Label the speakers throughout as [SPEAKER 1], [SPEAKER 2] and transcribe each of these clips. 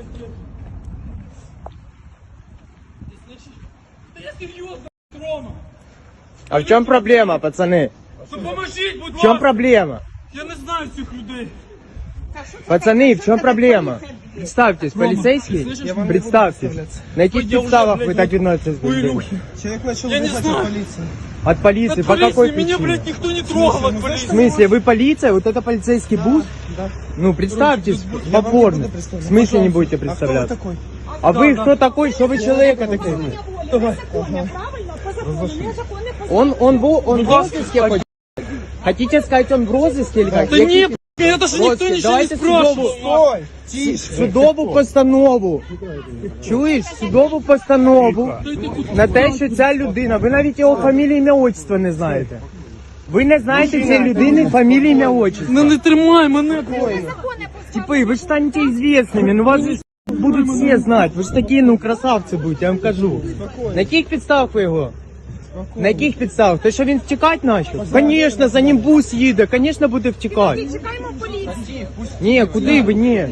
[SPEAKER 1] Да я серьезно, Рома.
[SPEAKER 2] А в чем проблема, пацаны?
[SPEAKER 1] Ну поможіть, будь
[SPEAKER 2] В чем
[SPEAKER 1] ласка.
[SPEAKER 2] проблема?
[SPEAKER 1] Я не знаю цих людей.
[SPEAKER 2] Пацаны, в чем проблема? Представьтесь, полицейский?
[SPEAKER 1] слышишь?
[SPEAKER 2] Представьтесь. На каких
[SPEAKER 1] Я уже,
[SPEAKER 2] подставах
[SPEAKER 1] блядь,
[SPEAKER 2] вы так относитесь?
[SPEAKER 1] Ой,
[SPEAKER 2] блядь?
[SPEAKER 1] Илюхи.
[SPEAKER 3] Человек начал
[SPEAKER 1] Я не
[SPEAKER 3] убегать
[SPEAKER 1] знаю.
[SPEAKER 3] от полиции.
[SPEAKER 2] От полиции?
[SPEAKER 1] От
[SPEAKER 2] По какой
[SPEAKER 1] полиции меня,
[SPEAKER 2] причине?
[SPEAKER 1] блядь, никто не трогал от
[SPEAKER 2] В
[SPEAKER 1] полиции.
[SPEAKER 2] смысле, вы полиция? Вот это полицейский бус?
[SPEAKER 3] Да.
[SPEAKER 2] Ну, представьтесь
[SPEAKER 3] Я вам не
[SPEAKER 2] попорно.
[SPEAKER 3] буду
[SPEAKER 2] В
[SPEAKER 3] представляться.
[SPEAKER 2] смысле не будете
[SPEAKER 3] А кто вы
[SPEAKER 2] представляться?
[SPEAKER 3] такой?
[SPEAKER 2] А вы
[SPEAKER 1] Да,
[SPEAKER 2] кто такой? Что вы человека такой?
[SPEAKER 4] Незаконне, правильно, по закону, незаконне по
[SPEAKER 2] Он в
[SPEAKER 1] Ну,
[SPEAKER 2] розыске хоть? Хотите сказать, он в розыске или как?
[SPEAKER 1] Да не, я даже никто
[SPEAKER 2] Господи,
[SPEAKER 1] ничего не
[SPEAKER 2] давайте
[SPEAKER 1] спрашивал.
[SPEAKER 3] Стой! Тише!
[SPEAKER 2] Судову постанову. Чуєш? Судову постанову на те, що ця людина, ви навіть його фамілію, ім'я, отчество не знаєте. Ви не знаєте цієї людини фамілію, ім'я, отчество.
[SPEAKER 1] Ну не тримай мене.
[SPEAKER 4] законне
[SPEAKER 2] Типи, ви ж станете известными, ну вас же будуть всі знати. Ви ж такі, ну, красавці будете, я вам кажу. На яких підставах ви його? На яких підставах? Те, що він втікати почав? Звісно, за ним бус їде, звісно, буде втікати.
[SPEAKER 4] Чекаємо поліцію.
[SPEAKER 2] Ні, куди ви, ні.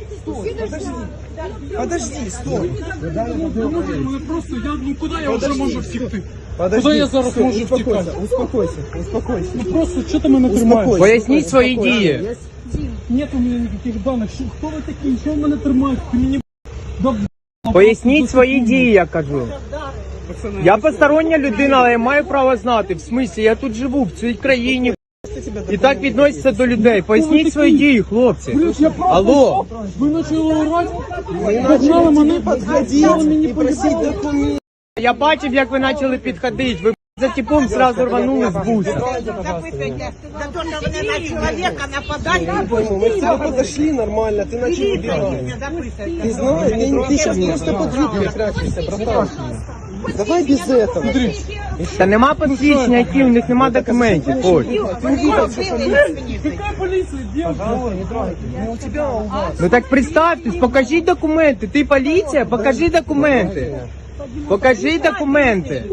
[SPEAKER 3] Подожди, стой!
[SPEAKER 1] Ну просто я, ну куди я вже можу втікти?
[SPEAKER 3] Подожди,
[SPEAKER 1] Куди я зараз
[SPEAKER 3] стой,
[SPEAKER 1] можу
[SPEAKER 3] успокойся,
[SPEAKER 1] втікати?
[SPEAKER 3] успокойся, успокойся.
[SPEAKER 1] Ну просто, що ти мене тримаєш?
[SPEAKER 2] Поясніть свої дії.
[SPEAKER 1] Нет у мене ніяких даних. Що, хто ви такі? Що ви мене тримаєте? Ти мені да,
[SPEAKER 2] Поясніть свої дії, я кажу. Я постороння людина, але я маю право знати. В смислі, я тут живу, в цій країні. І так відносяться до людей. Поясніть свої дії, хлопці.
[SPEAKER 1] Блядь, я правда
[SPEAKER 2] Алло.
[SPEAKER 1] що? Ви почали орати? Погнали мене,
[SPEAKER 3] Подходить
[SPEAKER 1] мені
[SPEAKER 3] и просить документы.
[SPEAKER 2] Я бачив, як ви почали підходити. Ви за типом сразу рванули з буса.
[SPEAKER 5] За то, что вы на человека нападали,
[SPEAKER 3] Не пойму, мы к тебе подошли нормально, ты начал убегать. Ты знаешь, ты сейчас просто под юбкой прячешься, братан. Давай без этого.
[SPEAKER 2] Та нема посвідчення, які у них нема документів. Ось.
[SPEAKER 1] Какая полиция, девушка?
[SPEAKER 3] Не у тебя, а у вас.
[SPEAKER 2] Ну так представтесь, покажіть документи. Ти поліція, покажи документи. Покажи документи.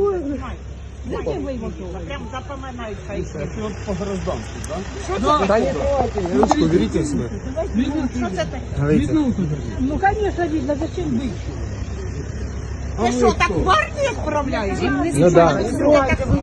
[SPEAKER 5] Прям запоминается.
[SPEAKER 3] Ручку берите себе.
[SPEAKER 4] Ну, конечно, видно, зачем быть?
[SPEAKER 5] Ты что, так в армию отправляешь?
[SPEAKER 2] Ну да.